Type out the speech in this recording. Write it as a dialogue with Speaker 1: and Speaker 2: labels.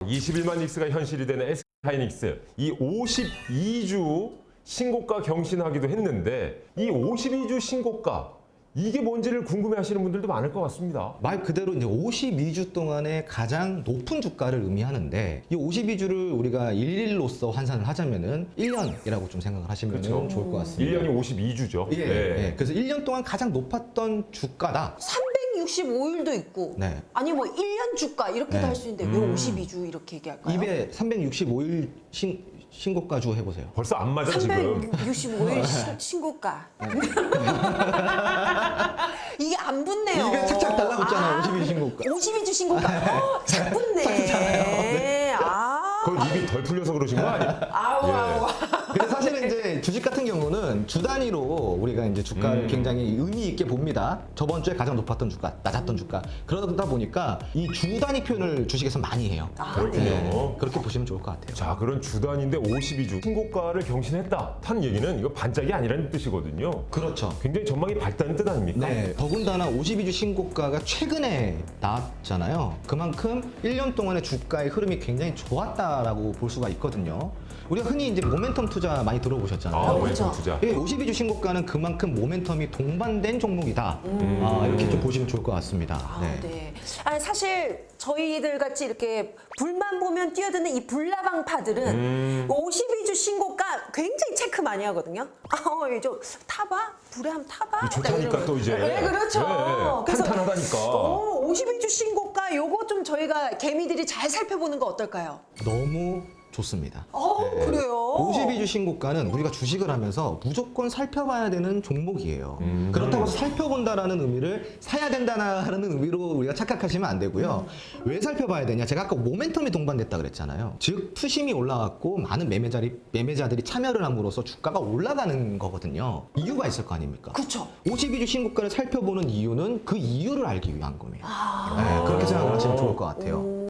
Speaker 1: 21만 닉스가 현실이 되는 SK하이닉스. 이 52주 신고가 경신하기도 했는데 이 52주 신고가 이게 뭔지를 궁금해하시는 분들도 많을 것 같습니다.
Speaker 2: 말 그대로 이제 52주 동안의 가장 높은 주가를 의미하는데 이 52주를 우리가 일일로서 환산을 하자면은 1년이라고 좀 생각을 하시면
Speaker 1: 그렇죠.
Speaker 2: 좋을 것 같습니다.
Speaker 1: 1년이 52주죠.
Speaker 2: 예, 예. 그래서 1년 동안 가장 높았던 주가다.
Speaker 3: 365일도 있고
Speaker 2: 네.
Speaker 3: 아니 뭐 1년 주가 이렇게도
Speaker 2: 네.
Speaker 3: 할 수 있는데 왜 52주 이렇게 얘기할까요?
Speaker 2: 입에 365일 신고가주 해보세요.
Speaker 1: 벌써 안 맞아 지금.
Speaker 3: 365일 신고가 이게 안 붙네요.
Speaker 2: 입에 착착 달라붙잖아요. 52주 신고가.
Speaker 3: 52주 신고가 착 붙네.
Speaker 1: 그건 입이 덜 풀려서 그러신 거 아니에요?
Speaker 3: 아우.
Speaker 2: 근데 사실은 이제 주식 같은 경우는 주 단위로 우리가 이제 주가를 굉장히 의미 있게 봅니다. 저번 주에 가장 높았던 주가, 낮았던 주가. 그러다 보니까 이 주 단위 표현을 주식에서 많이 해요.
Speaker 1: 그렇군요.
Speaker 2: 그렇게 보시면 좋을 것 같아요.
Speaker 1: 자, 그런 주 단위인데 52주 신고가를 경신했다. 하는 얘기는 이거 반짝이 아니라는 뜻이거든요.
Speaker 2: 그렇죠.
Speaker 1: 굉장히 전망이 밝다는 뜻 아닙니까?
Speaker 2: 네, 더군다나 52주 신고가가 최근에 나왔잖아요. 그만큼 1년 동안의 주가의 흐름이 굉장히 좋았다라고 볼 수가 있거든요. 우리가 흔히 이제 모멘텀 투자 많이 들어보셨잖아요.
Speaker 1: 아,
Speaker 3: 그렇죠.
Speaker 1: 왼쪽 투자.
Speaker 2: 예, 52주 신고가는 그만큼 모멘텀이 동반된 종목이다. 이렇게 좀 보시면 좋을 것 같습니다.
Speaker 3: 네. 아니, 사실 저희들 같이 이렇게 불만 보면 뛰어드는 이 불나방파들은 52주 신고가 굉장히 체크 많이 하거든요. 좀 타봐? 불에 한번 타봐?
Speaker 1: 좋다니까 또 이제.
Speaker 3: 네, 그렇죠.
Speaker 1: 네, 탄탄하다니까.
Speaker 3: 52주 신고가 요거 좀 저희가 개미들이 잘 살펴보는 거 어떨까요?
Speaker 2: 너무 좋습니다.
Speaker 3: 그래요?
Speaker 2: 52주 신고가는 우리가 주식을 하면서 무조건 살펴봐야 되는 종목이에요. 그렇다고 해서 살펴본다라는 의미를 사야 된다는 의미로 우리가 착각하시면 안 되고요. 왜 살펴봐야 되냐? 제가 아까 모멘텀이 동반됐다 그랬잖아요. 즉 투심이 올라왔고 많은 매매자들이 참여를 함으로써 주가가 올라가는 거거든요. 이유가 있을 거 아닙니까?
Speaker 3: 그렇죠.
Speaker 2: 52주 신고가를 살펴보는 이유는 그 이유를 알기 위한 겁니다. 네, 그렇게 생각을 하시면 좋을 것 같아요.